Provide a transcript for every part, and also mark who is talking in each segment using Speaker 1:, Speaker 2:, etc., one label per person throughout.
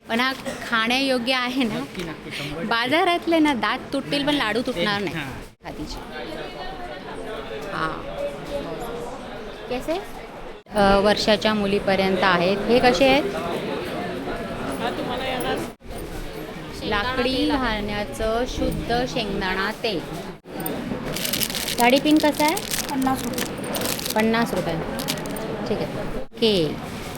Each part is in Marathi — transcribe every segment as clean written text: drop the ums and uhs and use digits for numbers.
Speaker 1: पण हा खाण्यायोग्य आहे ना? बाजारातले ना दात तुटतील पण लाडू तुटणार नाही खादीचे. हां कसे वर्षाच्या मुलीपर्यंत आहेत. हे कसे आहेत? लाकडी घालण्याचं शुद्ध शेंगदाणा तेल. साडीपिन कसं आहे?
Speaker 2: 50 रुपये.
Speaker 1: 50 रुपये. ठीक आहे. ओके.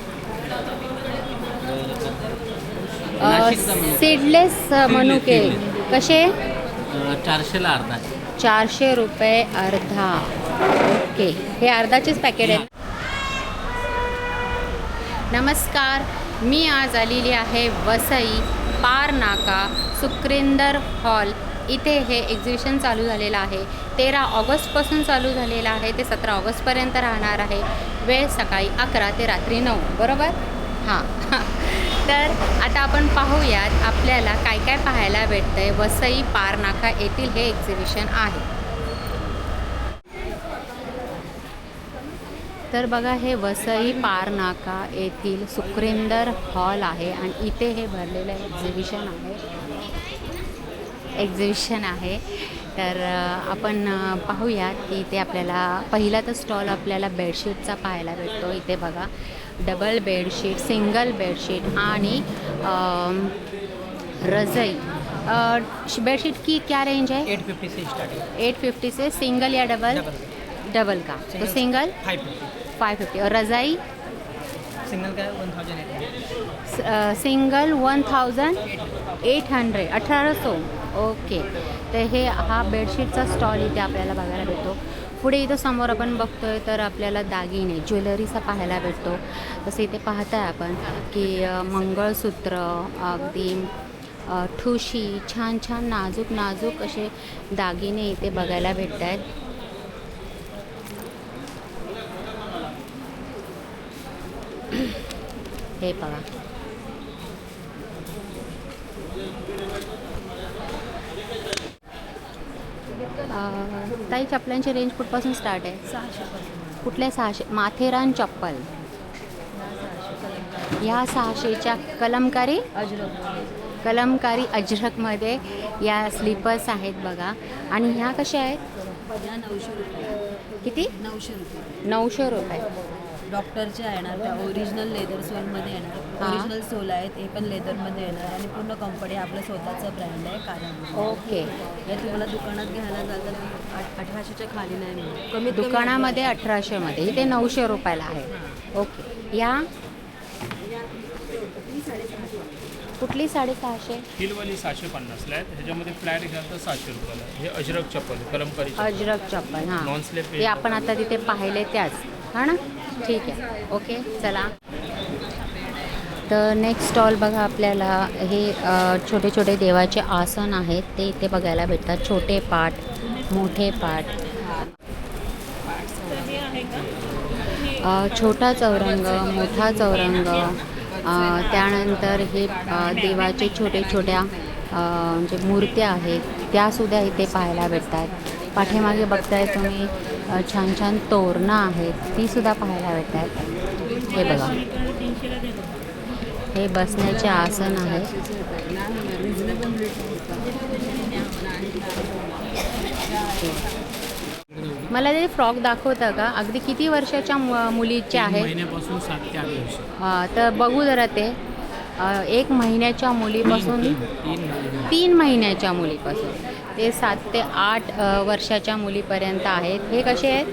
Speaker 1: सीडलेस मनुके कसे?
Speaker 3: 400ला अर्धा.
Speaker 1: 400 रुपये अर्धा. ओके. हे अर्धाचेच पॅकेट आहे. नमस्कार, मी आज आलेली आहे वसई पार नाका सुक्रिंदर हॉल. इथे हे एक्झिबिशन चालू झालेलं आहे. 13 ऑगस्टपासून चालू झालेलं आहे. ते 17 ऑगस्टपर्यंत राहणार आहे. वेळ सकाळी 11 ते रात्री 9 बरोबर. हां तर आता आपण पाहूयात आपल्याला काय काय पाहायला भेटतं आहे. वसई पार नाका येथील हे एक्झिबिशन आहे. तर बघा, हे वसई पार नाका येथील सुक्रिंदर हॉल आहे आणि इथे हे भरलेलं एक्झिबिशन आहे. तर आपण पाहूयात की इथे आपल्याला पहिला तर स्टॉल आपल्याला बेडशीटचा पाहायला भेटतो. इथे बघा, डबल बेडशीट, सिंगल बेडशीट आणि रज़ाई. बेडशीट की क्या रेंज है?
Speaker 3: 850 से स्टार्टिंग.
Speaker 1: 850 से सिंगल या डबल? डबल का तो सिंगल 550 और रज़ाई
Speaker 3: सिंगल का 1800.
Speaker 1: सिंगल 1800 1800. ओके. तर हे हा बेडशीटचा स्टॉल इथे आपल्याला बघायला भेटतो. पुढे इथं समोर आपण बघतोय तर आपल्याला दागिने ज्वेलरीचा पाहायला भेटतो. तसं इथे पाहताय आपण की मंगळसूत्र, अगदी ठुशी, छान छान नाजूक नाजूक असे दागिने इथे बघायला भेटत आहेत. हे बघा, ताई चपलांची रेंज कुठपासून स्टार्ट आहे?
Speaker 2: 600.
Speaker 1: कुठल्या? 600. माथेरान चप्पल ह्या 600च्या कलमकारी अजरकमध्ये या स्लीपर्स आहेत बघा. आणि ह्या कशा आहेत?
Speaker 2: 900 रुपये.
Speaker 1: किती?
Speaker 2: 900 रुपये.
Speaker 1: 900 रुपये.
Speaker 2: डॉक्टरच्या येणार, त्या ओरिजिनल लेदर सोलमध्ये येणार. ओरिजिनल सोल आहेत, हे पण लेदरमध्ये येणार आणि पूर्ण कंपनी आपलं स्वतःचं ब्रँड आहे कारण.
Speaker 1: ओके.
Speaker 2: हे तुम्हाला दुकानात घ्यायला जातात 1800च्या खाली नाही मिळत. कमीत कमी
Speaker 1: दुकानामध्ये 1800मध्ये, इथे 900 रुपयाला आहे. ओके. या कुठली? 650.
Speaker 4: हिलवाली 750ला आहेत. ह्याच्यामध्ये फ्लॅट घ्याल तर 700 रुपयाला. हे अजरक चप्पल, कलमकारी
Speaker 1: अजरक चप्पल. हां,
Speaker 4: नॉन स्लिप.
Speaker 1: ते आपण आता तिथे पाहिले त्याच. हां ना, ठीक आहे. ओके, चला. तर नेक्स्ट स्टॉल बघा, आपल्याला हे छोटे छोटे देवाचे आसन आहेत ते इथे बघायला भेटतात. छोटे पाट, मोठे पाट, छोटा चौरंग, मोठा चौरंग. त्यानंतर हे देवाचे छोटे छोट्या जे मूर्त्या आहेत त्यासुद्धा इथे पाहायला भेटतात. पाठीमागे बघताय तुम्ही छान छान तोरणं आहेत, तीसुद्धा पाहायला भेटतात. हे बघा, हे बसण्याचे आसन आहे. मला ते फ्रॉक दाखवता का? अगदी किती वर्षाच्या मुलीचे आहेत?
Speaker 4: महिन्यापासून 7 ते 8 वर्ष.
Speaker 1: तर बघू जरा ते. 1 महिन्याच्या मुलीपासून 3 महिन्याच्या मुलीपासून ते 7 ते 8 वर्षाच्या मुलीपर्यंत आहेत. हे कसे आहेत?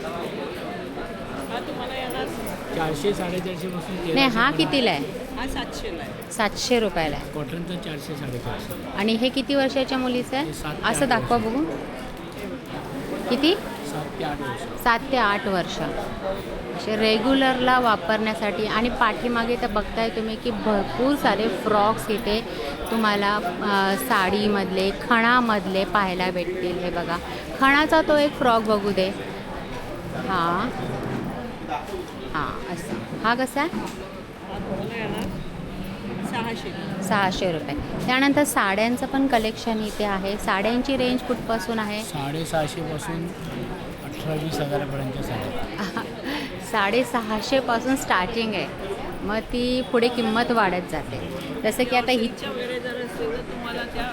Speaker 4: 400 450 पासून.
Speaker 1: नाही, हा कितीला आहे?
Speaker 2: हा 700ला आहे.
Speaker 1: 700 रुपयाला आहे.
Speaker 4: कॉटनचं 400 450.
Speaker 1: आणि हे किती वर्षाच्या मुलीचं आहे? असं दाखवा बघू. किती?
Speaker 4: 7 ते 8 वर्ष.
Speaker 1: 7 ते 8 वर्ष. असे रेग्युलरला वापरण्यासाठी. आणि पाठीमागे तर बघताय तुम्ही की भरपूर सारे फ्रॉक्स इथे तुम्हाला साडीमधले, खणामधले पाहायला भेटतील. हे बघा, खणाचा तो एक फ्रॉक बघू दे. हां हां, असं. हा कसा आहे? 600 रुपये. त्यानंतर साड्यांचं पण कलेक्शन इथे आहे. साड्यांची रेंज कुठपासून आहे?
Speaker 4: 750 पासून 18-20 हजारापर्यंत साड्या.
Speaker 1: 650 पासून स्टार्टिंग आहे. मग ती पुढे किंमत वाढत जाते. जसं की आता ही
Speaker 2: वगैरे जर असतील तर तुम्हाला त्या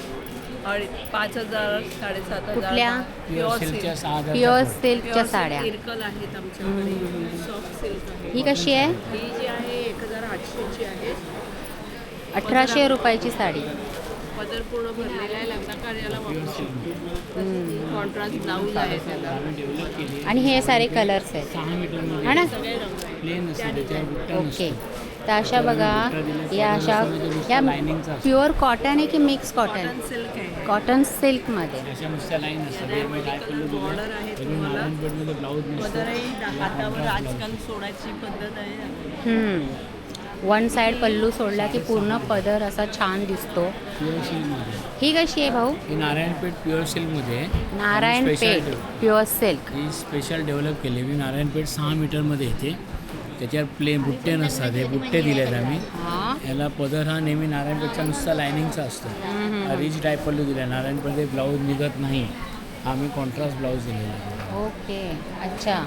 Speaker 2: 5,000 7,500
Speaker 1: कुठल्या?
Speaker 2: प्युअर
Speaker 3: सिल्कच्या
Speaker 2: सिल्क
Speaker 3: 6,000
Speaker 1: प्युअर सिल्कच्या साड्या.
Speaker 2: इरकल आहेत आमच्याकडे सॉफ्ट सिल्क आहे.
Speaker 1: ही कशी आहे?
Speaker 2: ही जी आहे 1,800 ची आहे.
Speaker 1: 1,800 रुपयाची साडी.
Speaker 2: पदर पूर्ण भरलेला आहे, लग्न कार्याला वापरू कॉन्ट्रास्ट ब्लाऊज आहे त्याला.
Speaker 3: आम्ही डेव्हलप केली
Speaker 1: आणि हे सारे कलर्स आहेत
Speaker 3: 6 मीटरमध्ये
Speaker 1: हा ना.
Speaker 2: सगळे रंग
Speaker 3: प्लेन असते त्याच्यावर बुट्टा
Speaker 1: ओके.
Speaker 3: नसतो.
Speaker 1: तर अशा बघा या अशा या
Speaker 3: लायनिंगचा असतो.
Speaker 1: प्युअर कॉटन आहे की मिक्स कॉटन?
Speaker 2: कॉटन सिल्क आहे.
Speaker 1: कॉटन सिल्कमध्ये.
Speaker 3: अशा नुसत्या लाईन असतात त्यामुळे काय पल्लू
Speaker 2: बॉर्डर आहे
Speaker 3: दिलं
Speaker 2: तुम्हाला.
Speaker 3: नारायणपेठमध्ये ब्लाऊज नसतो.
Speaker 2: पदरही हातावर आजकाल सोडायची पद्धत आहे.
Speaker 1: वन साईड पल्लू सोडला की पूर्ण पदर असा छान दिसतो.
Speaker 3: प्युअर सिल्कमध्ये
Speaker 1: ही कशी आहे भाऊ?
Speaker 3: ही नारायणपेठ प्युअर सिल्कमध्ये आहे.
Speaker 1: Narayanpeth pure silk.
Speaker 3: ही स्पेशल डेव्हलप केली. मी नारायणपेठ 6 मीटरमध्ये येते. त्याच्यावर प्लेन बुट्टे नसतात, हे बुट्टे दिलेत आम्ही.
Speaker 1: हां.
Speaker 3: याला पदर हा नेहमी नारायणपेठचा नुसता लायनिंगचा असतो. हा रिच टाईप पल्लू दिला. नारायणपेठ ब्लाऊज निघत नाही. हा आम्ही कॉन्ट्रास्ट ब्लाऊज दिलेला आहे.
Speaker 1: ओके. अच्छा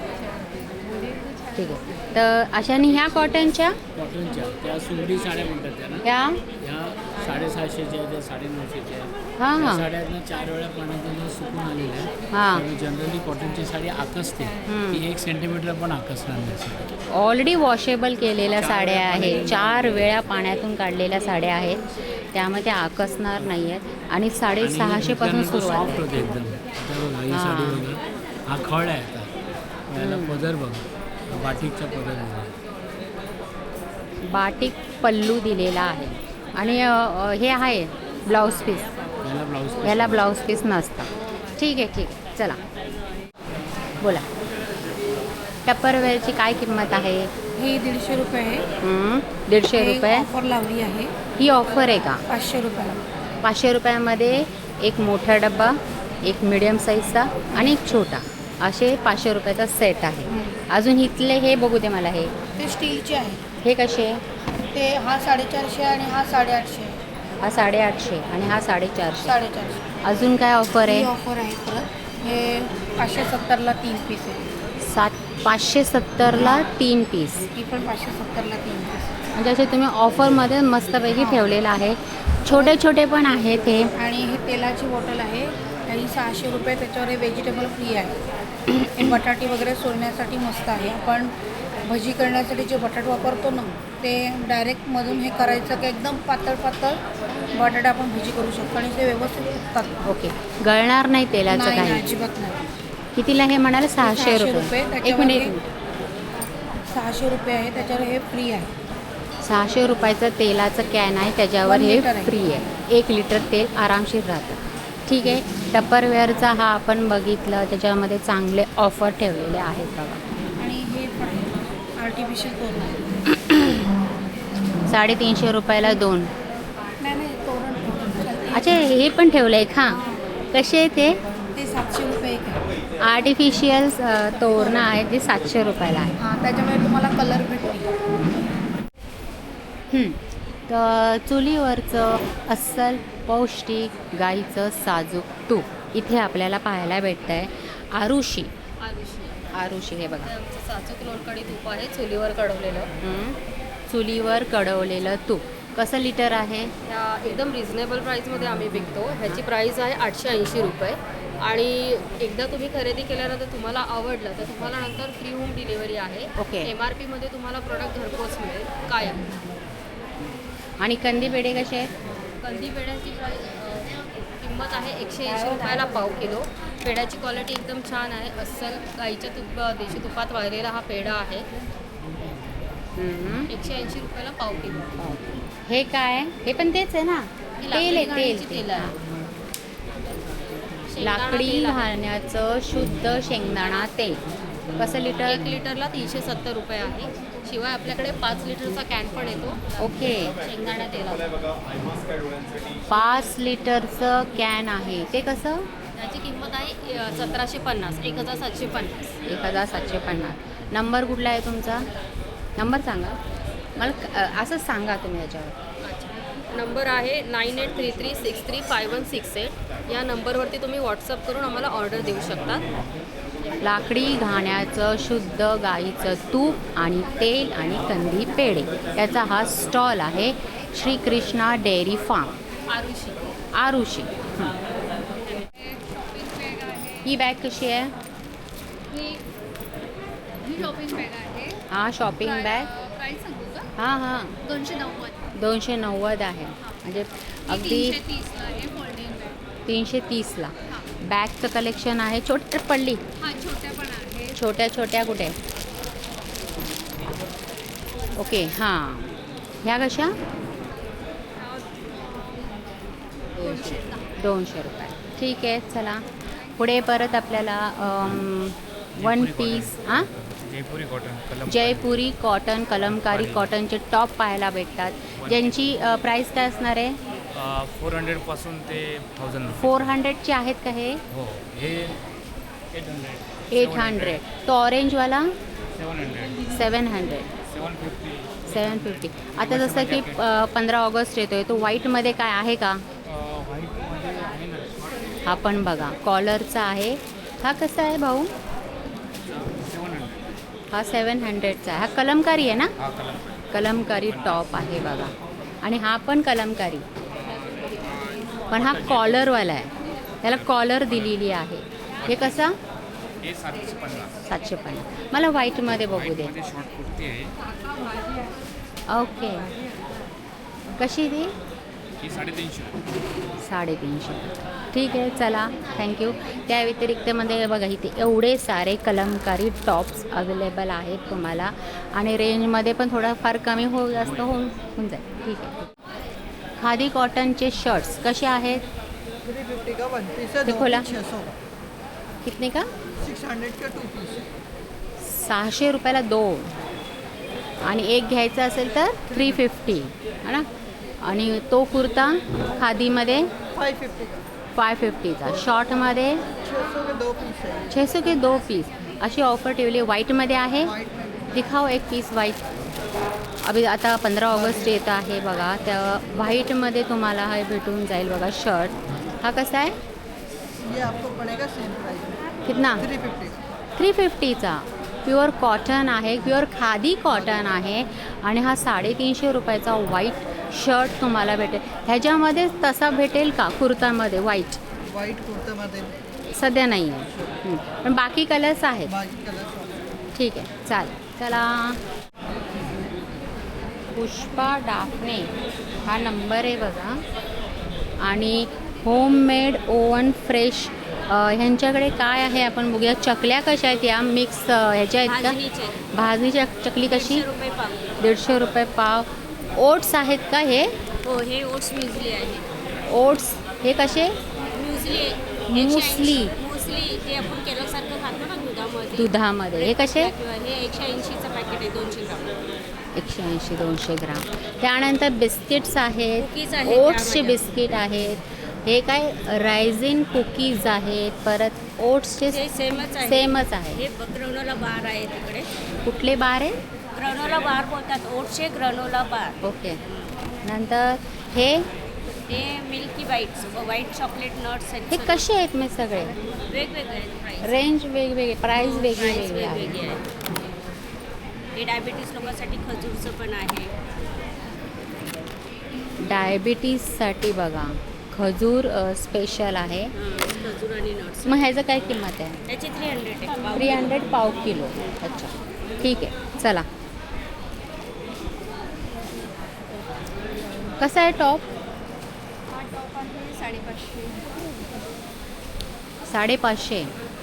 Speaker 1: ठीक आहे. तर अशाने ह्या कॉटनच्या
Speaker 3: कॉटनच्या त्या सुंदरी साड्या म्हणतात त्याला.
Speaker 1: ह्या
Speaker 3: ह्या 750च्या आहेत, त्या 950च्या आहेत.
Speaker 1: हां
Speaker 3: त्या
Speaker 1: हां
Speaker 3: साड्यातनं 4 वेळा पाण्यातून सुकून आलेल्या आहे.
Speaker 1: हां.
Speaker 3: जनरली कॉटनची साडी आकसते. ती 1 सेंटीमीटर पण आकसणार नाही.
Speaker 1: ऑलरेडी वॉशेबल केलेल्या साड्या आहेत. 4 वेळा पाण्यातून काढलेल्या साड्या आहेत, त्यामुळे त्या आकसणार नाही आहेत. आणि 650 पासून सुरुवात
Speaker 3: सॉफ्ट
Speaker 1: आहे.
Speaker 3: होते एकदम. आता बघा ही साडी बघा, हा खड आहे आता. याला पदर बघा, बाटिकचा पदर बघा.
Speaker 1: बाटिक पल्लू दिलेला आहे. आणि हे आहे ब्लाऊज पीस.
Speaker 3: याला ब्लाऊज
Speaker 1: ह्याला ब्लाऊज पीस नसतं. ठीक आहे ठीक आहे. चला बोला. टप्परवेअरची काय किंमत आहे?
Speaker 5: हे 150 रुपये आहे.
Speaker 1: 150 रुपये.
Speaker 5: ऑफर लावली आहे
Speaker 1: ही ऑफर आहे का?
Speaker 5: 500 रुपयाला.
Speaker 1: 500 रुपयामध्ये एक मोठा डब्बा, एक मिडियम साईजचा आणि एक छोटा, असे 500 रुपयाचा सेट आहे. अजून इथले हे बघू दे मला. हे
Speaker 5: ते स्टीलचे आहे.
Speaker 1: हे कसे?
Speaker 5: ते हा 450 आणि हा 850 आहे.
Speaker 1: हा 850 आणि हा 450.
Speaker 5: 450
Speaker 1: अजून काय ऑफर
Speaker 5: ही
Speaker 1: आहे?
Speaker 5: ऑफर आहे परत. हे 570ला 3 पीस आहे.
Speaker 1: 570ला 3 पीस.
Speaker 5: ही पण 570ला 3 पीस.
Speaker 1: म्हणजे असे तुम्ही ऑफरमध्ये मस्तपैकी ठेवलेलं आहे. छोटे छोटे पण आहेत हे.
Speaker 5: आणि हे तेलाची बॉटल आहे. ही 600 रुपये. त्याच्यावर हे व्हेजिटेबल फ्री आहे. हे बटाटे वगैरे सोलण्यासाठी मस्त आहे. आपण भजी करण्यासाठी जे बटाटे वापरतो ना, ते डायरेक्ट मधून हे करायचं की एकदम पातळ पातळ बटाटे आपण भजी करू शकतो आणि ते व्यवस्थित फुगतात.
Speaker 1: ओके. गळणार नाही तेलाचं
Speaker 5: नाही नाही,
Speaker 1: काही.
Speaker 5: अजिबात नाही.
Speaker 1: कितीला हे म्हणाले? 600 रुपये. एक मिनिट.
Speaker 5: 600 रुपये आहे. त्याच्यावर हे फ्री आहे.
Speaker 1: 600 रुपयाचं तेलाचं कॅन आहे, त्याच्यावर
Speaker 5: 1
Speaker 1: हे
Speaker 5: लिटर आहे.
Speaker 1: फ्री आहे. 1 लिटर तेल आरामशीर राहतं. ठीक आहे. टप्परवेअरचा हा आपण बघितलं, त्याच्यामध्ये चांगले ऑफर ठेवलेले आहेत बघा.
Speaker 5: आणि हे पण आर्टिफिशियल तोरण आहे.
Speaker 1: 350 रुपयाला 2.
Speaker 5: नाही नाही, तोरण तोरण.
Speaker 1: अच्छा, हे पण ठेवलं आहे का? कसे आहे ते?
Speaker 5: ते 700 रुपये एक आहे.
Speaker 1: आर्टिफिशियल तोरणं आहेत, जे 700 रुपयाला आहे.
Speaker 5: हां, त्याच्यामुळे तुम्हाला कलर भेटतील.
Speaker 1: तर चुलीवरचं अस्सल पौष्टिक गाईचं साजूक तूप इथे आपल्याला पाहायला भेटतं आहे. आरुषी. आरुषी हे बघा.
Speaker 2: साजूक लोणकडी तूप आहे, चुलीवर कढवलेलं.
Speaker 1: चुलीवर कढवलेलं तूप कसं लिटर आहे?
Speaker 2: एकदम रिझनेबल प्राईसमध्ये आम्ही विकतो. ह्याची प्राईस आहे 880 रुपये. आणि एकदा तुम्ही खरेदी केल्यानंतर तुम्हाला आवडलं तर तुम्हाला नंतर फ्री होम डिलिव्हरी आहे.
Speaker 1: ओके.
Speaker 2: MRPमध्ये तुम्हाला प्रोडक्ट घरपोच मिळेल कायम.
Speaker 1: आणि कंदी पेढे कसे आहेत?
Speaker 2: कंदी पेढ्याची किंमत आहे 180 रुपयाला पाव किलो. पेढ्याची क्वालिटी एकदम छान आहे. अस्सल गाईच्या देशी तुपात वाळलेला हा पेढा आहे. 180 रुपयाला पाव किलो.
Speaker 1: हे काय? हे पण तेच आहे ना? तेल आहे, तेल.
Speaker 2: तेल आहे.
Speaker 1: लाकडी घालण्याचं शुद्ध शेंगदाणा तेल कसं लिटर?
Speaker 2: 1 लिटरला 370 रुपये आहे. शिवाय आपल्याकडे 5 लिटरचा कॅन पण येतो.
Speaker 1: ओके.
Speaker 2: शेंगदाणा तेलाचा
Speaker 1: 5 लिटरचं कॅन आहे, ते कसं?
Speaker 2: त्याची किंमत आहे 1750, 1750.
Speaker 1: 1750. नंबर कुठला आहे तुमचा? नंबर सांगा मला. असंच सांगा तुम्ही याच्यावर.
Speaker 2: नंबर आहे 9833635168. या नंबरवरती तुम्ही व्हॉट्सअप करून आम्हाला ऑर्डर देऊ शकता.
Speaker 1: लाकडी घाण्याचं शुद्ध गाईचं तूप आणि तेल आणि कंदी पेढे याचा हा स्टॉल आहे. Shri Krishna dairy farm
Speaker 2: Arushi
Speaker 1: Arushi. ही बॅग कशी आहे?
Speaker 6: ही शॉपिंग बॅग आहे.
Speaker 1: हा शॉपिंग बॅग.
Speaker 6: प्राईस सांगू का?
Speaker 1: हां हां
Speaker 6: 290.
Speaker 1: 290 आहे म्हणजे अगदी
Speaker 6: 330ला आहे फोल्डिंग बॅग.
Speaker 1: 330ला. बॅगचं कलेक्शन आहे. छोटी पडली,
Speaker 6: हा छोट्या पण आहे.
Speaker 1: छोट्या छोट्या कुठे? ओके हां. ह्या कशा? 200 रुपये. ठीक आहे चला पुढे परत आपल्याला वन पीस हां
Speaker 4: जयपुरी कॉटन
Speaker 1: जयपुरी कॉटन कलमकारी कॉटनचे टॉप पाहायला भेटतात, ज्यांची प्राईस काय असणार आहे?
Speaker 4: 400 ते 1000.
Speaker 1: 400चे आहेत का हे?
Speaker 4: हो हे 800
Speaker 1: 800. तो ऑरेंजवाला
Speaker 4: 700
Speaker 1: 700
Speaker 4: 750.
Speaker 1: 750. आता जसं की 15 ऑगस्ट येतो आहे तो व्हाईटमध्ये काय आहे का?
Speaker 4: व्हाईटमध्ये आहे ना शॉर्ट
Speaker 1: हा पण बघा कॉलरचा आहे. हा कसा आहे भाऊ?
Speaker 4: 700.
Speaker 1: हा 700चा आहे. हा कलमकारी आहे ना?
Speaker 4: हा कलर
Speaker 1: कलमकारी टॉप आहे बघा. आणि हा पण कलमकारी पण हा कॉलरवाला आहे, त्याला कॉलर दिलेली आहे. हे कसा?
Speaker 4: हे 750.
Speaker 1: 750. मला व्हाईटमध्ये बघू दे.
Speaker 4: व्हाईटमध्ये शॉर्ट कुर्ती आहे.
Speaker 1: ओके कशी ती?
Speaker 4: ही 350.
Speaker 1: 350. ठीक आहे चला थँक्यू. त्या व्यतिरिक्तमध्ये बघा इथे एवढे सारे कलमकारी टॉप्स अवेलेबल आहेत तुम्हाला आणि रेंजमध्ये पण थोडाफार कमी जास्त होऊन जाईल. ठीक आहे. खादी कॉटनचे शर्ट्स कसे आहेत?
Speaker 7: 350 का 1 पीस है,
Speaker 1: ये
Speaker 7: 2
Speaker 1: खोला।
Speaker 7: पीस 600
Speaker 1: कितने का?
Speaker 7: 600 का 2 पीस है.
Speaker 1: 600 रुपयाला 2 आणि एक घ्यायचा असेल तर 350 है ना. आणि तो कुर्ता खादीमध्ये
Speaker 7: 550 का
Speaker 1: 550चा, शॉर्टमध्ये
Speaker 7: 600 के 2 पीस है.
Speaker 1: 600 के 2 पीस अशी ऑफर ठेवली. व्हाईटमध्ये आहे.
Speaker 7: वाइट में
Speaker 1: दिखाओ एक पीस व्हाईट. अभि आता 15 ऑगस्ट येत आहे बघा, त्या व्हाईटमध्ये तुम्हाला हे भेटून जाईल बघा शर्ट. हा कसा आहे?
Speaker 7: ये आपको पड़ेगा सेम प्राइस में
Speaker 1: कितना?
Speaker 7: 350 का.
Speaker 1: 350चा. प्युअर कॉटन आहे, प्युअर खादी कॉटन आहे आणि हा 350 रुपयाचा व्हाईट शर्ट तुम्हाला भेटेल. ह्याच्यामध्ये तसा भेटेल का कुर्तामध्ये व्हाईट?
Speaker 7: वाइट कुर्ते मध्ये
Speaker 1: सध्या नाही आहे पण बाकी कलर्स आहेत.
Speaker 7: बाकी कलर
Speaker 1: ठीक आहे चालेल. चला पुष्पा डाफणे हा नंबर आहे बघा. आणि होममेड ओवन फ्रेश ह्यांच्याकडे काय आहे आपण बघूया. चकल्या कशा आहेत या? मिक्स ह्याच्या आहेत का? भाजणीच्या चकली कशी? 150 रुपये पाव. ओट्स आहेत का हे?
Speaker 2: हो हे ओट्स म्युझली आहे.
Speaker 1: ओट्स हे कसे?
Speaker 2: म्युझली
Speaker 1: मुसली.
Speaker 2: मुसली ते आपण केल्यासारखं खातो ना दुधामध्ये.
Speaker 1: दुधामध्ये हे कसे?
Speaker 2: हे 180चं पॅकेट आहे 200 ग्राम.
Speaker 1: 180 200 ग्राम. त्यानंतर बिस्किट्स आहेत,
Speaker 2: कुकीज आहेत
Speaker 1: ओट्सचे
Speaker 2: त्यामध्ये.
Speaker 1: बिस्किट आहेत. हे काय रायझिन कुकीज आहेत. परत ओट्सचे
Speaker 2: ते सेमच आहे.
Speaker 1: सेमच आहे.
Speaker 2: हे ग्रॅनोला बार आहे तिकडे.
Speaker 1: कुठले बार आहे?
Speaker 2: ग्रॅनोला बार बोलतात. ओट्सचे ग्रॅनोला बार.
Speaker 1: ओके. नंतर हे
Speaker 2: milky bites white chocolate nuts आहेत.
Speaker 1: हे कसे आहेत मी सगळे?
Speaker 2: वेगवेगळे आहेत प्राईस.
Speaker 1: रेंज वेगवेगळे, प्राईस वेगळी
Speaker 2: प्राईस
Speaker 1: वेगळी आहे.
Speaker 2: वेगवेगळी आहे. हे डायबिटीस लोकांसाठी खजूरचं पण आहे.
Speaker 1: डायबिटीजसाठी बघा खजूर स्पेशल आहे.
Speaker 2: खजूर आणि नट्स.
Speaker 1: मग ह्याचं काय किंमत आहे?
Speaker 2: त्याची 300 आहे.
Speaker 1: 300 पाव किलो. अच्छा ठीक आहे चला. कसा आहे टॉप?
Speaker 6: हा टॉप आहे 550.
Speaker 1: 550.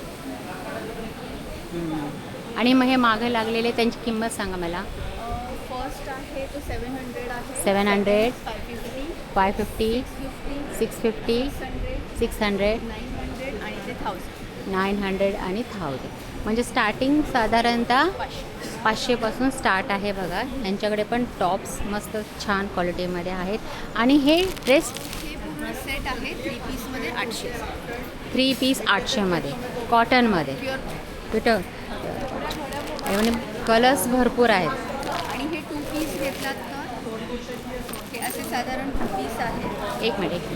Speaker 1: आणि मग हे मागे लागलेले त्यांची किंमत सांगा मला.
Speaker 6: फर्स्ट आहे तो 700 आहे.
Speaker 1: 700
Speaker 6: 550,
Speaker 1: 550 650 600
Speaker 6: 900 आणि ते 1000.
Speaker 1: 900 आणि 1000. म्हणजे स्टार्टिंग साधारणतः 500पासून स्टार्ट आहे बघा. यांच्याकडे पण टॉप्स मस्त छान क्वालिटीमध्ये आहेत. आणि हे ड्रेस
Speaker 6: हे पूर्ण सेट आहे 3 पीसमध्ये 800.
Speaker 1: 3 पीस 800मध्ये कॉटनमध्ये
Speaker 6: प्युअर
Speaker 1: कुठं म्हणजे कलर्स भरपूर आहेत.
Speaker 6: आणि हे 2 पीस घेतलात तर हे असे साधारण 2 पीस आहेत.
Speaker 1: एक मिनिट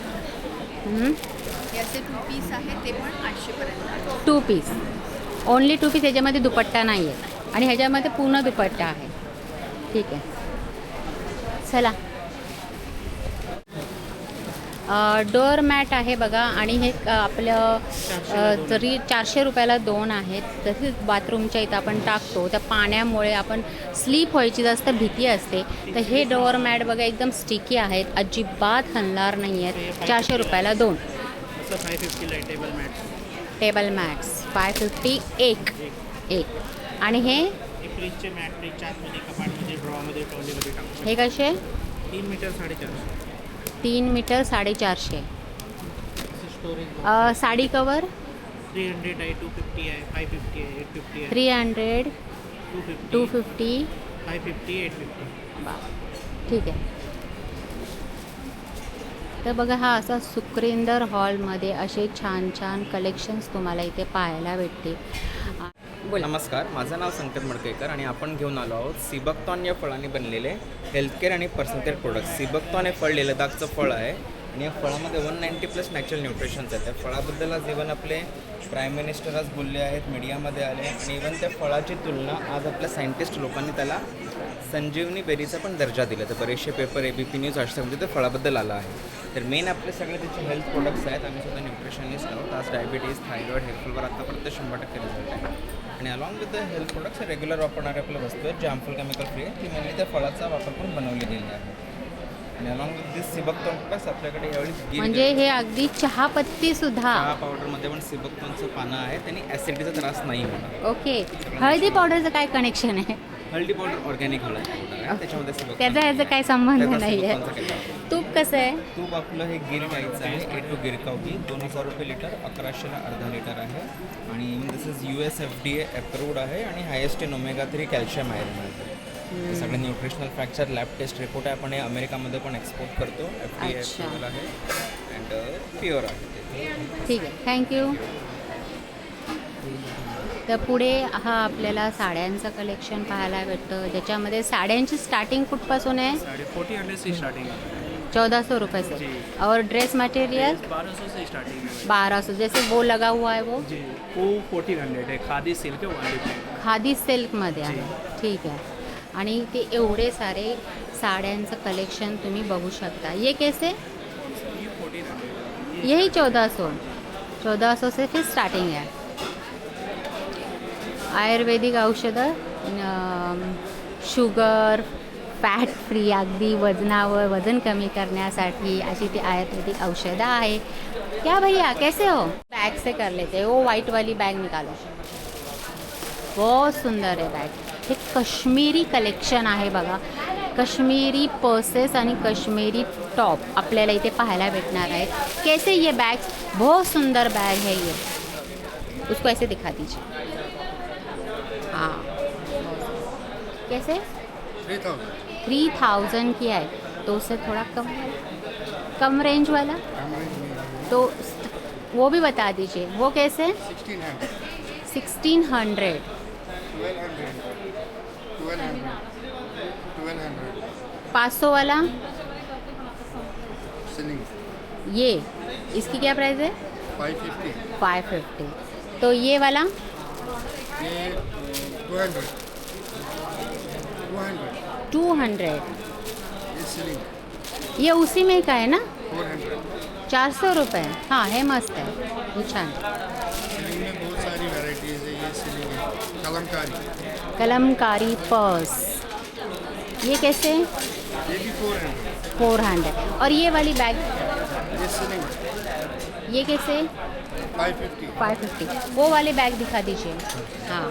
Speaker 6: हे असे 2 पीस आहेत ते पण 800पर्यंत.
Speaker 1: 2 पीस ओनली 2 पीस. ह्याच्यामध्ये दुपट्टा नाही आहे आणि ह्याच्यामध्ये पूर्ण दुपट्टा आहे. ठीक आहे चला डोअर मॅट आहे बघा आणि हे आपलं जरी 400 रुपयाला 2 आहेत तसेच बाथरूमच्या इथं आपण टाकतो त्या पाण्यामुळे आपण स्लीप व्हायची जास्त भीती असते. तर हे डोअर मॅट बघा एकदम स्टिकी आहेत, अजिबात हलणार नाही आहेत. 400 रुपयाला 2.
Speaker 4: 550 आहे टेबल मॅट.
Speaker 1: टेबल मॅट्स 550 एक. आणि हे
Speaker 4: फ्रीजचे मॅट फ्रीजच्या आतमध्ये कपाटमध्ये ड्रॉमध्ये ट्रॉलीमध्ये टाकू.
Speaker 1: हे कसे
Speaker 4: 3 metre 450.
Speaker 1: 3 metre 450.
Speaker 4: Storage
Speaker 1: sari cover
Speaker 4: 300 आहे, 250 आहे, 550 आहे, 850 आहे,
Speaker 1: 300 250.
Speaker 4: 550 850.
Speaker 1: ठीक आहे. तर बघा हा असा सुक्रिंदर हॉलमध्ये असे छान छान कलेक्शन्स तुम्हाला इथे पाहायला भेटते. बोला.
Speaker 8: नमस्कार, माझं नाव संकेत मडकेकर आणि आपण घेऊन आलो आहोत सिबकतॉन या फळाने बनलेले हेल्थकेअर आणि पर्सनल केअर प्रोडक्ट्स. सिबकतॉन हे फळ लेह लडाखचं फळ आहे आणि या फळामध्ये 190+ नॅचरल न्यूट्रिशन्स आहेत. त्या फळाबद्दल आज इव्हन आपले प्राईम मिनिस्टर आज बोलले आहेत, मीडियामध्ये आले आणि इव्हन त्या फळाची तुलना आज आपल्या सायंटिस्ट लोकांनी त्याला संजीवनी बेरीचा पण दर्जा दिला. तर बरेचसे पेपर ABP न्यूज आजमध्ये ते फळाबद्दल आला आहे. तर मेन आपले सगळे त्याचे हेल्थ प्रोडक्ट्स आहेत. आम्ही सुद्धा न्यूट्रिशनिस्ट आहोत. आज डायबिटीज थायरॉइड हेअरफॉलवर आतापर्यंत 100% रिझल्ट आहे. आणि along with the health products regular वापरणारे आपल्या वस्तू आहेत जे हार्मफुल केमिकल फ्री आहे. ती मेनली त्या फळाचा वापर करून बनवली गेली आहे. आणि along with this sea buckthorn plus आपल्याकडे यावेळी
Speaker 1: म्हणजे हे अगदी चहापत्ती सुद्धा.
Speaker 8: चहा पावडरमध्ये पण सिबकतॉनचं पानं आहे. त्यांनी ॲसिडिटीचा त्रास नाही होणार.
Speaker 1: ओके. हळदी पावडरचं काय कनेक्शन आहे?
Speaker 8: हळदी पावडर ऑर्गॅनिक हळद पावडर आहे. त्याच्यामध्ये सिबकतॉन
Speaker 1: त्याचा ह्याचा काय संबंध
Speaker 8: त्याचा
Speaker 1: नाही आहे.
Speaker 8: सिबकतॉनचा केला आहे.
Speaker 1: तूप कसं आहे?
Speaker 8: तूप आपलं हे गिर गाईचं आहे. A2 गिर काऊ घी 2000 रुपये लिटर, 1100ला अर्धा लिटर आहे. आणि this is US FDA approved आहे आणि highest in omega-3 calcium iron आहे. सगळे nutritional factor lab test report आहे. आपण हे अमेरिकामध्ये पण एक्सपोर्ट करतो. FDA
Speaker 1: अच्छा.
Speaker 8: अप्रूव्हल आहे अँड प्युअर आहे.
Speaker 1: ठीक आहे, थँक्यू. तर पुढे हा आपल्याला साड्यांचं कलेक्शन पाहायला भेटतं ज्याच्यामध्ये साड्यांची स्टार्टिंग कुठपासून आहे?
Speaker 4: 1400 से स्टार्टिंग है
Speaker 1: 1400 रुपये से.
Speaker 4: जी.
Speaker 1: और ड्रेस मटेरियल
Speaker 4: 1200 से स्टार्टिंग है
Speaker 1: 1200. जैसे वो लगा हुआ है वो
Speaker 4: जी. वो 1400 है. खादी सिल्क है 1
Speaker 1: खादी सिल्कमध्ये आहे. ठीक आहे. आणि ते एवढे सारे साड्यांचं कलेक्शन तुम्ही बघू शकता. ये कैसे? यही 1400 से फिर स्टार्टिंग है. आयुर्वेदिक औषधं, शुगर, फॅट फ्री, अगदी वजनावर वजन कमी करण्यासाठी अशी ती आयुर्वेदिक औषधं आहे. क्या भैया कैसे हो? बैग से कर लेते हो. वो वाइट वाली बैग निकालो. बहुत सुंदर आहे बॅग. हे काश्मीरी कलेक्शन आहे बघा. काश्मीरी पर्सेस आणि काश्मीरी टॉप आपल्याला इथे पाहायला भेटणार आहेत. कैसे ये बैग? बहुत सुंदर बैग है ये. उसको ऐसे दिखा दीजिए. हाँ, कैसे? 3000 की है तो उससे थोड़ा कम रेंज वाला तो वो भी बता दीजिए. वो कैसे? 1600. 500 वाला ये इसकी क्या प्राइस है? 550. तो ये वाला 200. ये उसी में का है ना? 400 रुपये. हाँ, है मस्त है ये छान.
Speaker 9: बहुत सारी वैरायटीज है. ये सिलिंग है,
Speaker 1: कलमकारी पर्स. ये कैसे?
Speaker 9: ये भी
Speaker 1: 400. और ये वाली बैग
Speaker 9: ये सिलिंग
Speaker 1: ये कैसे? 550. वो वाले बैग दिखा दीजिए. हाँ,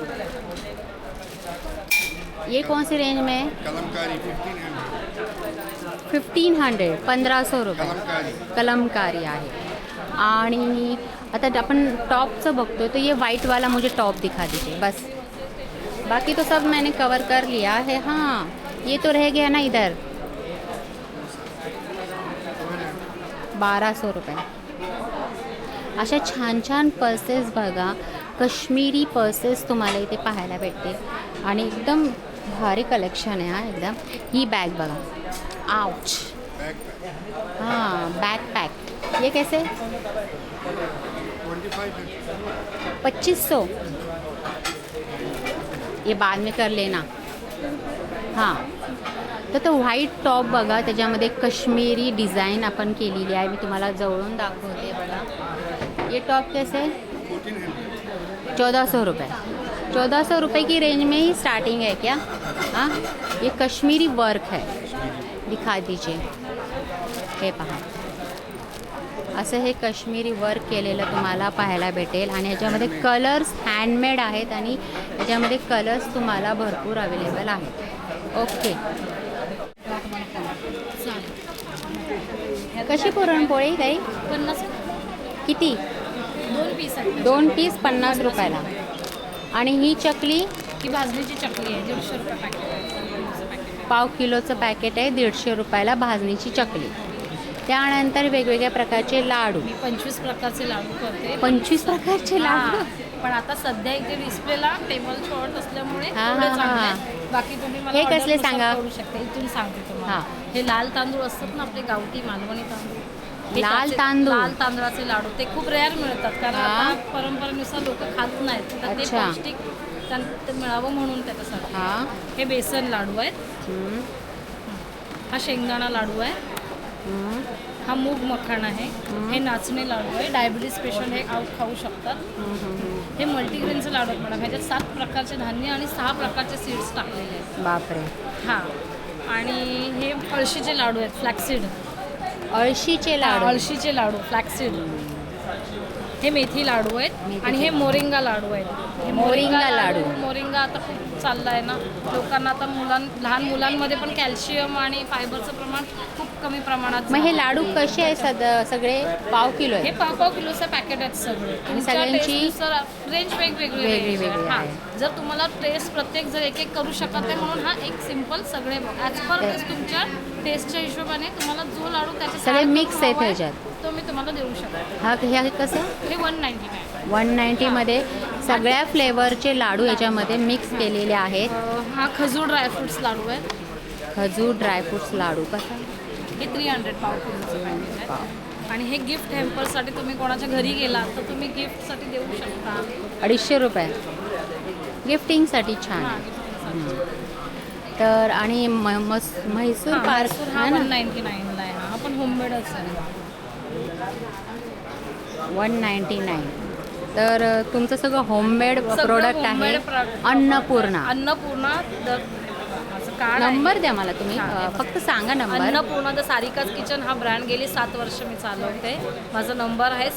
Speaker 1: ये कौन सी रेंज में है?
Speaker 9: कलमकारी
Speaker 1: 1500. 1500 रुपये कलमकारी आहे. आणि आता आपण टॉपचं बघतोय तो ये वाइट वाला मुझे टॉप दिखा दीजिए बस. बाकी तो सब मैंने कवर कर लिया है. हाँ, ये तो रह गया ना इधर. 1200 रुपये. अशा छान छान पर्सेस बघा. काश्मीरी पर्सेस तुम्हाला इथे पाहायला भेटते आणि एकदम भारी कलेक्शन आहे. हा एकदम. ही बॅग बघा. आउच. हाँ, बैकपैक. ये कैसे? 2500. ये बाद में कर लेना. हाँ, तर तो व्हाईट टॉप बघा, त्याच्यामध्ये काश्मीरी डिझाईन आपण केलेली आहे. मी तुम्हाला जवळून दाखवते बघा. ये टॉप कैसे 1400 रुपये. 1400 रुपये की रेंज में ही स्टार्टिंग है क्या? हाँ, ये कश्मीरी वर्क है, दिखा दीजिए. हे पहा, असं हे काश्मीरी वर्क केलेलं तुम्हाला पाहायला भेटेल आणि याच्यामध्ये कलर्स हँडमेड आहेत आणि याच्यामध्ये कलर्स तुम्हाला भरपूर अवेलेबल आहेत. ओके. कशी पुरणपोळी काही
Speaker 2: 50
Speaker 1: किती?
Speaker 2: 2 पीस आहेत.
Speaker 1: 2 पीस 50 रुपयाला. आणि ही चकली
Speaker 2: ही भाजणीची चकली आहे, 150 रुपये पॅकेट आहे.
Speaker 1: पाव किलोचं पॅकेट आहे, 150 रुपयाला भाजणीची चकली. त्यानंतर वेगवेगळ्या प्रकारचे लाडू.
Speaker 2: मी 25 प्रकारचे लाडू करते.
Speaker 1: 25 प्रकारचे लाडू.
Speaker 2: पण आता सध्या इथे डिस्प्लेला टेबल शॉर्ट असल्यामुळे
Speaker 1: हा,
Speaker 2: थोडे
Speaker 1: हा,
Speaker 2: चांगले
Speaker 1: हा.
Speaker 2: आहेत. बाकी तुम्ही मला
Speaker 1: हे
Speaker 2: order
Speaker 1: कसले
Speaker 2: नुसार
Speaker 1: सांगा?
Speaker 2: करू शकता. इथून सांगते तुम्हाला.
Speaker 1: हा.
Speaker 2: हे लाल तांदूळ असतात ना आपले गावठी मालवणी तांदूळ. हे
Speaker 1: लाल
Speaker 2: त्याचे-
Speaker 1: तांदूळ?
Speaker 2: लाल तांदळाचे लाडू ते खूप रेअर मिळतात कारण
Speaker 1: हा.
Speaker 2: आता परंपरेनुसार लोक खात नाहीत तर ते
Speaker 1: अच्छा.
Speaker 2: पौष्टिक ते मिळावं म्हणून त्याच्यासाठी.
Speaker 1: हां.
Speaker 2: हे बेसन लाडू आहेत. हा शेंगदाणा लाडू आहे. हा मूग मखाण आहे. हे नाचणी लाडू आहे. डायबिटीज पेशंट हे खाऊ शकतात. हे मल्टीग्रेनचे लाडू आहेत मॅडम. ह्याच्यात 7 प्रकारचे धान्य आणि 6 प्रकारचे सीड्स टाकलेले आहेत.
Speaker 1: बापरे.
Speaker 2: हां. आणि हे अळशीचे लाडू आहेत, फ्लॅक्सीड.
Speaker 1: अळशीचे लाडू.
Speaker 2: अळशीचे लाडू, फ्लॅक्सीड. हे मेथी लाडू आहेत आणि हे मोरिंगा लाडू आहेत. हे
Speaker 1: मोरिंगा लाडू.
Speaker 2: मोरिंगा आता खूप चाललं आहे ना लोकांना. आता लहान मुलांमध्ये पण कॅल्शियम आणि फायबरचं प्रमाण खूप कमी प्रमाणात.
Speaker 1: मग हे लाडू कसे आहे सगळे? पाव किलो
Speaker 2: हे
Speaker 1: आहे.
Speaker 2: पाव किलोचं पॅकेट आहेत सगळे.
Speaker 1: सगळ्यांची
Speaker 2: रेंज वेगवेगळी
Speaker 1: वेगळी
Speaker 2: हां.
Speaker 1: आहे.
Speaker 2: जर तुम्हाला टेस्ट प्रत्येक जर एक करू शकत नाही म्हणून हा एक सिम्पल सगळे ॲज पर टेस्ट तुमच्या टेस्टच्या हिशोबाने तुम्हाला जो लाडू त्याच्या
Speaker 1: सगळे मिक्स आहेत ह्याच्यात.
Speaker 2: तो मी तुम्हाला देऊ शकते.
Speaker 1: हा, हे कसं?
Speaker 2: हे 199.
Speaker 1: 190मध्ये सगळ्या फ्लेवरचे लाडू याच्यामध्ये मिक्स केलेले आहेत.
Speaker 2: हा खजूर ड्रायफ्रुट्स लाडू आहे.
Speaker 1: खजूर ड्रायफ्रुट्स लाडू कसा?
Speaker 2: हे 300 पाव किलोचं पॅकेट आहे. आणि हे गिफ्ट हॅम्परसाठी तुम्ही कोणाच्या घरी गेलात तर तुम्ही गिफ्टसाठी देऊ शकता.
Speaker 1: 250 रुपये गिफ्टिंगसाठी छान
Speaker 2: हां,
Speaker 1: आहे.
Speaker 2: गिफ्टिंगसाठी.
Speaker 1: तर आणि म्हैसूर
Speaker 2: हां,
Speaker 1: पार्क
Speaker 2: म्हैसूर हा 199ला आहे. हा पण होममेडच आहे.
Speaker 1: 199. तर तुमचं सगळं होममेड
Speaker 2: सगळं
Speaker 1: प्रोडक्ट आहे.
Speaker 2: homemade product.
Speaker 1: Annapurna.
Speaker 2: Annapurna card आहे.
Speaker 1: नंबर द्या मला तुम्ही.
Speaker 2: हां.
Speaker 1: फक्त सांगा number.
Speaker 2: Annapurna the Sarika's kitchen हा ब्रँड गेली 7 वर्ष मी चालवते. माझा नंबर आहे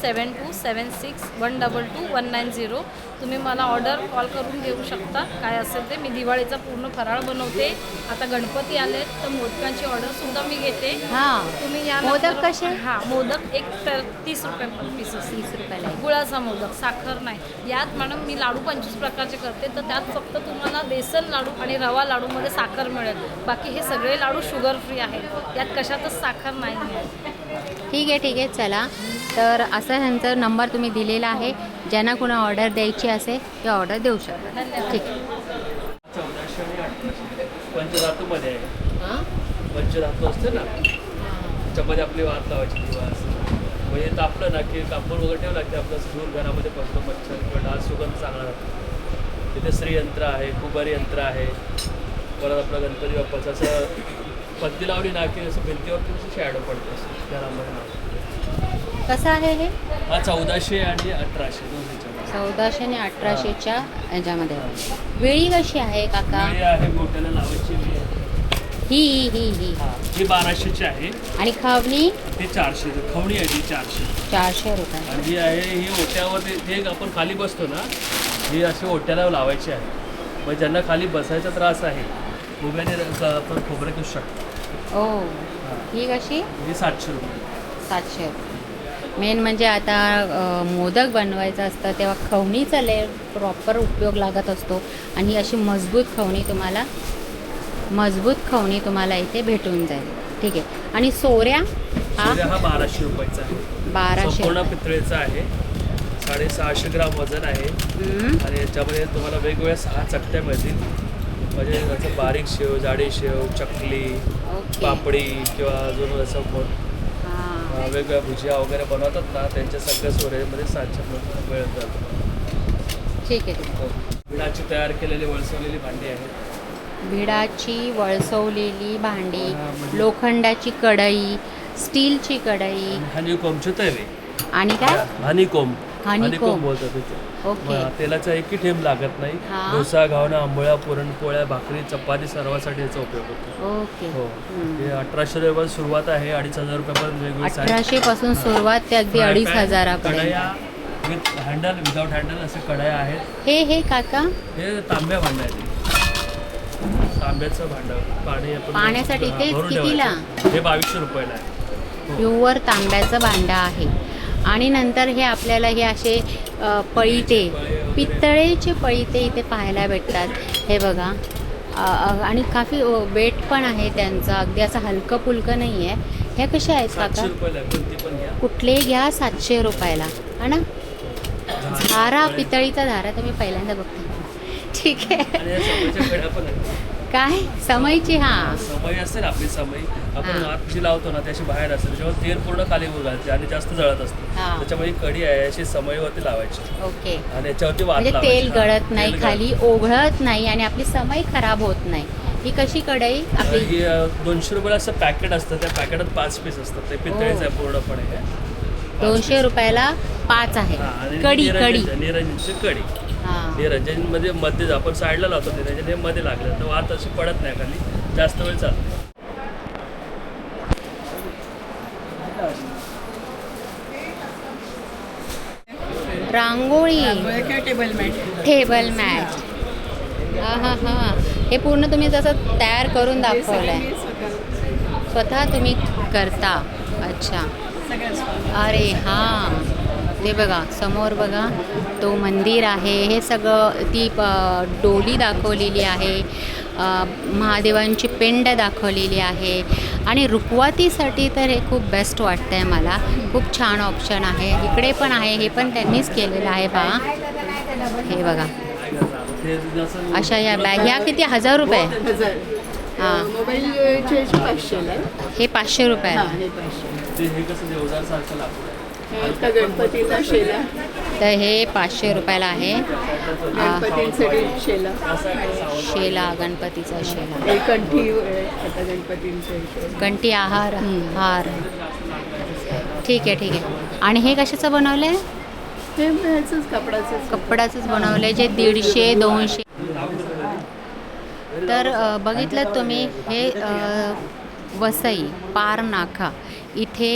Speaker 2: 7276122190. तुम्ही मला ऑर्डर कॉल करून घेऊ शकता. काय असेल ते. मी दिवाळीचा पूर्ण फराळ बनवते. आता गणपती आले तर मोदकांची ऑर्डरसुद्धा मी घेते.
Speaker 1: हां.
Speaker 2: तुम्ही या
Speaker 1: मोदक कसे?
Speaker 2: हां, मोदक एक 30 रुपये पीस असते.
Speaker 1: 30 रुपयाला आहे.
Speaker 2: गुळाचा मोदक, साखर नाही. यात मॅडम मी लाडू 25 प्रकारचे करते तर त्यात फक्त तुम्हाला बेसन लाडू आणि रवा लाडूमध्ये साखर मिळेल. बाकी हे सगळे लाडू शुगर फ्री आहेत. यात कशातच साखर नाही आहे.
Speaker 1: ठीक आहे. चला, तर असं ह्यांचा नंबर तुम्ही दिलेला आहे. ज्यांना कुणा ऑर्डर द्यायची असेल ते ऑर्डर देऊ शकता. ठीक आहे.
Speaker 10: 1400 आणि 1800 पंचधातूमध्ये आहे. पंचधातू असते ना त्याच्यामध्ये आपली वात लावायची किंवा असं म्हणजे तापलं ना की कापूर वगैरे ठेवला की आपलं धूर घरामध्ये पसतो. मच्छर किंवा डास सुगंध चांगला राहतो. तिथे श्रीयंत्र आहे, कुबारी यंत्र आहे. परत आपलं गणपती बाप्पाचं असं पत्ती लावली ना की असं भिंतीवर थोडंसं शॅडो पडते असं घरामध्ये नाव.
Speaker 1: कसं आहे हे?
Speaker 10: हा 1400 आणि 1800 दोन ह्याच्यामध्ये.
Speaker 1: 1400 आणि 1800च्या ह्याच्यामध्ये. वेळी कशी आहे काका?
Speaker 10: वेळी आहे मोठ्याला लावायची वेळ आहे.
Speaker 1: ही
Speaker 10: हां, ही 1200ची आहे.
Speaker 1: आणि खवणी?
Speaker 10: ते 400. खवणी आहे ती 400.
Speaker 1: 400 रुपये.
Speaker 10: आणि जी आहे ही ओट्यावर ते आपण खाली बसतो ना ही अशी ओट्याला लावायची आहे. मग ज्यांना खाली बसायचा त्रास आहे उभ्याने आपण खोबरं घेऊ शकतो.
Speaker 1: ओ, ही कशी?
Speaker 10: ही 700 रुपये.
Speaker 1: 700 रुपये. मेन म्हणजे आता मोदक बनवायचं असतं तेव्हा खवणीचा प्रॉपर उपयोग लागत असतो. आणि ही अशी मजबूत खवणी तुम्हाला इथे भेटून जाईल. ठीक आहे. आणि सोऱ्या?
Speaker 10: हा 1200 रुपयाचा आहे.
Speaker 1: 1200
Speaker 10: संपूर्ण पितळेचा आहे. 650 ग्राम वजन आहे. आणि याच्यामध्ये तुम्हाला वेगवेगळ्या 6 चकत्या मिळतील. म्हणजे त्याचं बारीक शेव, जाडी शेव, चकली, पापडी किंवा अजून असं वेगवेगळ्या भुजिया वगैरे बनवतात ना त्यांच्या सगळ्या सोऱ्यामध्ये 700 मिळत जातं.
Speaker 1: ठीक आहे.
Speaker 10: विणाची तयार केलेली वळसवलेली भांडी आहेत.
Speaker 1: भिडाची वळसवलेली भांडी, लोखंडाची कढई, स्टीलची कढई
Speaker 10: हनीकोमचे तवे
Speaker 1: आणि काय
Speaker 10: हनीकोम
Speaker 1: हनीकोम.
Speaker 10: बोलतात त्याचं.
Speaker 1: ओके.
Speaker 10: तेलाचा एकही थेंब लागत नाही.
Speaker 1: हा.
Speaker 10: डोसा, घावना, आंबोळ्या, पुरणपोळ्या, भाकरी, चपाती सर्वासाठी याचा उपयोग होतो.
Speaker 1: ओके.
Speaker 10: हो हे 1800 रुपयापासून सुरुवात आहे, 2500 रुपयापर्यंत वेगवेगळे size.
Speaker 1: 1800 पासून सुरुवात ते अगदी
Speaker 10: Fry
Speaker 1: 2500
Speaker 10: pan, कढया
Speaker 1: पर्यंत.
Speaker 10: विथ हँडल, विदाउट हँडल असे कढया आहेत.
Speaker 1: हे काका
Speaker 10: हे तांब्या भांडं आहे ते. तांब्याचं भांडं पाणी आपण
Speaker 1: पाण्यासाठी ते
Speaker 10: भरून
Speaker 1: कितीला?
Speaker 10: ठेवायचं. हे 2200 रुपयाला आहे.
Speaker 1: प्युअर तांब्याचं भांडं आहे. आणि नंतर हे आपल्याला हे असे पळीटे, पितळेचे पळीटे इथे पाहायला भेटतात. हे बघा आणि काफी वेट पण आहे त्यांचं, अगदी असं हलकं फुलकं नाही आहे. ह्या कशा आहेत
Speaker 10: 700
Speaker 1: काका?
Speaker 10: रुपयाला आहे, कोणती पण घ्या.
Speaker 1: कुठले घ्या 700 रुपयाला है ना. धारा, पितळीचा धारा तर मी पहिल्यांदा बघते. ठीक आहे.
Speaker 10: आणि या समईच्या कढया पण आहेत.
Speaker 1: काय समईची? हां,
Speaker 10: समई असते ना आपली समई, आपण
Speaker 1: हां.
Speaker 10: आत जी लावतो ना त्याची बाहेर असते, त्याच्यावर तेल पूर्ण खाली घालते आणि जास्त जळत असते.
Speaker 1: हां.
Speaker 10: त्याच्यामुळे ही कढी आहे अशी समईवरती लावायची
Speaker 1: ओके.
Speaker 10: आणि याच्यावरती वात
Speaker 1: म्हणजे
Speaker 10: लावायची.
Speaker 1: तेल गळत नाही,
Speaker 10: तेल
Speaker 1: खाली ओघळत नाही आणि आपली समई खराब होत नाही. ही कशी कढई आपली?
Speaker 10: ही 200 रुपयाला असं पॅकेट असतं, त्या पॅकेटात 5 पीस असतात. ते पितळेचं आहे पूर्णपणे हे.
Speaker 1: 200 रुपयाला 5 आहे.
Speaker 10: हां, आणि
Speaker 1: कढी कढी
Speaker 10: निरंजनची कढी.
Speaker 1: हां.
Speaker 10: निरंजनमध्ये मध्ये आपण साईडला लावतो, निरंजन हे मध्ये लागलं तर वात अशी पडत नाही खाली, जास्त वेळ चालते.
Speaker 1: Rangoli,
Speaker 7: table mat
Speaker 1: table mat. हां हां हां. हे पूर्ण तुम्ही जसं तयार करून दाखवलं आहे, स्वतः तुम्ही करता. अच्छा. अरे हां, ते बघा समोर बघा तो मंदिर आहे. हे सगळं ती डोली दाखवलेली आहे, महादेवांची पिंड दाखवलेली आहे. आणि रुखवातीसाठी तर हे खूप बेस्ट वाटतं आहे मला. खूप छान ऑप्शन आहे. इकडे पण आहे, हे पण त्यांनीच केलेलं आहे पहा. हे बघा अशा या बॅग. ह्या किती? 1000 रुपये? हां.
Speaker 7: मोबाईल 500
Speaker 1: हे 500 रुपयाला.
Speaker 10: हे कसं देवदारसारखं लाकूड आहे.
Speaker 7: आता गणपतीचा शेला,
Speaker 1: तर हे 500 रुपयाला आहे.
Speaker 7: गणपतींसाठी शेला,
Speaker 1: शेला, गणपतीचा शेला,
Speaker 7: कंठी आता गणपतींचे
Speaker 1: कंठी, हार. ठीक आहे ठीक आहे. आणि हे कशाचं बनवलं आहे?
Speaker 7: ते ह्याचंच कपडाचंच.
Speaker 1: कपडाचंच बनवलं आहे, जे 150-200. तर बघितलं तुम्ही हे वसई पार नाका इथे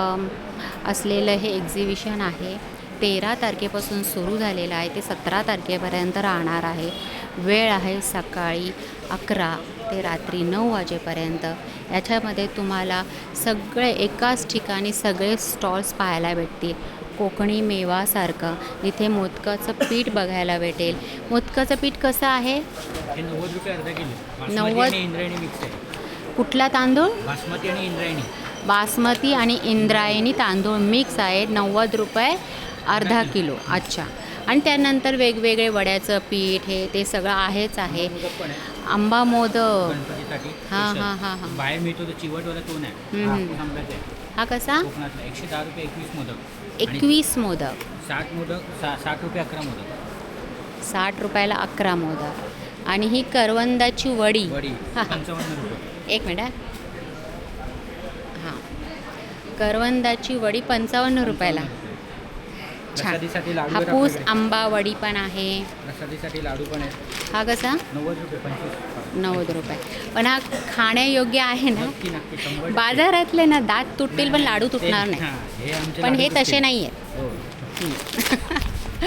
Speaker 1: असलेलं हे एक्झिबिशन आहे. 13 तारखेपासून सुरू झालेलं आहे, ते 17 तारखेपर्यंत राहणार आहे. वेळ आहे सकाळी 11 ते रात्री 9 वाजेपर्यंत. याच्यामध्ये तुम्हाला सगळे एकाच ठिकाणी सगळे स्टॉल्स पाहायला भेटतील. कोकणी मेवासारखं इथे मोदकाचं पीठ बघायला भेटेल. मोदकाचं पीठ कसं आहे?
Speaker 11: हे 90 रुपये अर्धा किलो.
Speaker 1: 90.
Speaker 11: इंद्रायणी मिक्स आहे.
Speaker 1: कुठला तांदूळ?
Speaker 11: बासमती आणि इंद्रायणी.
Speaker 1: बासमती आणि इंद्रायणी तांदूळ मिक्स आहे. 90 रुपये अर्धा किलो. अच्छा. आणि त्यानंतर वेगवेगळे वड्याचं पीठ हे ते सगळं आहेच आहे. आंबा मोदक
Speaker 11: गणपतीसाठी
Speaker 1: हां हां हां हां.
Speaker 11: बाहेर मिळतो तो चिवटवाला तो नाही. आंब्याचा आहे.
Speaker 1: हा कसा?
Speaker 11: कोकणातला 110 रुपये 21 मोदक.
Speaker 1: 21 मोदक.
Speaker 11: 60 मोदक 60 रुपये 11 मोदक.
Speaker 1: 60 रुपयाला 11 मोदक. आणि ही करवंदाची वडी.
Speaker 11: 55 रुपये.
Speaker 1: एक मिनिट. हां, करवंदाची वडी 55 रुपयाला. छान.
Speaker 11: प्रसादीसाठी लाडू
Speaker 1: हापूस आंबा वडी पण आहे.
Speaker 11: प्रसादीसाठी लाडू पण आहे.
Speaker 1: हा कसा?
Speaker 11: 90 रुपये 25.
Speaker 1: 90 रुपये. पण हा खाण्यायोग्य आहे ना?
Speaker 11: नक्की नक्की 100.
Speaker 1: बाजारातले ना दात तुटतील पण लाडू तुटणार नाही.
Speaker 11: हे आमचे
Speaker 1: पण हे
Speaker 11: लाडू
Speaker 1: तसे
Speaker 11: असतील.
Speaker 1: नाही आहेत.
Speaker 11: हो.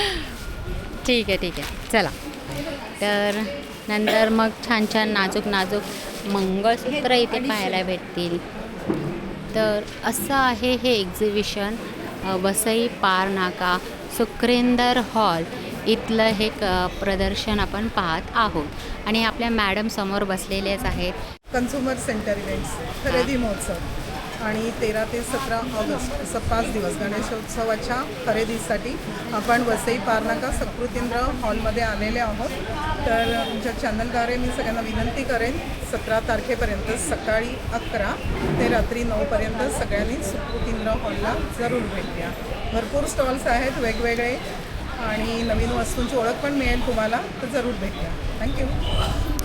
Speaker 1: ठीक आहे ठीक आहे. चला. तर नंतर मग छान छान नाजूक नाजूक मंगळसूत्र इथे पाहायला भेटतील. तर असं आहे हे एक्झिबिशन. वसई पार नाका सुक्रेंदर हॉल इथलं हे प्रदर्शन आपण पाहत आहोत. आणि आपल्या मॅडम समोर बसलेलेच आहेत.
Speaker 12: कन्झ्युमर सेंटर इव्हेंट्स खरेदी महोत्सव आणि 13 ते 17 ऑगस्ट असं 5 दिवस गणेशोत्सवाच्या खरेदीसाठी आपण वसई पारनाका सकृतींद्र हॉलमध्ये आलेले आहोत. तर तुमच्या चॅनलद्वारे मी सगळ्यांना विनंती करेन 17 तारखेपर्यंत सकाळी 11 ते रात्री 9पर्यंत सगळ्यांनी सकृतींद्र हॉलला जरूर भेट द्या. भरपूर स्टॉल्स आहेत वेगवेगळे आणि नवीन वस्तूंची ओळख पण मिळेल तुम्हाला, तर जरूर भेट द्या. थँक्यू.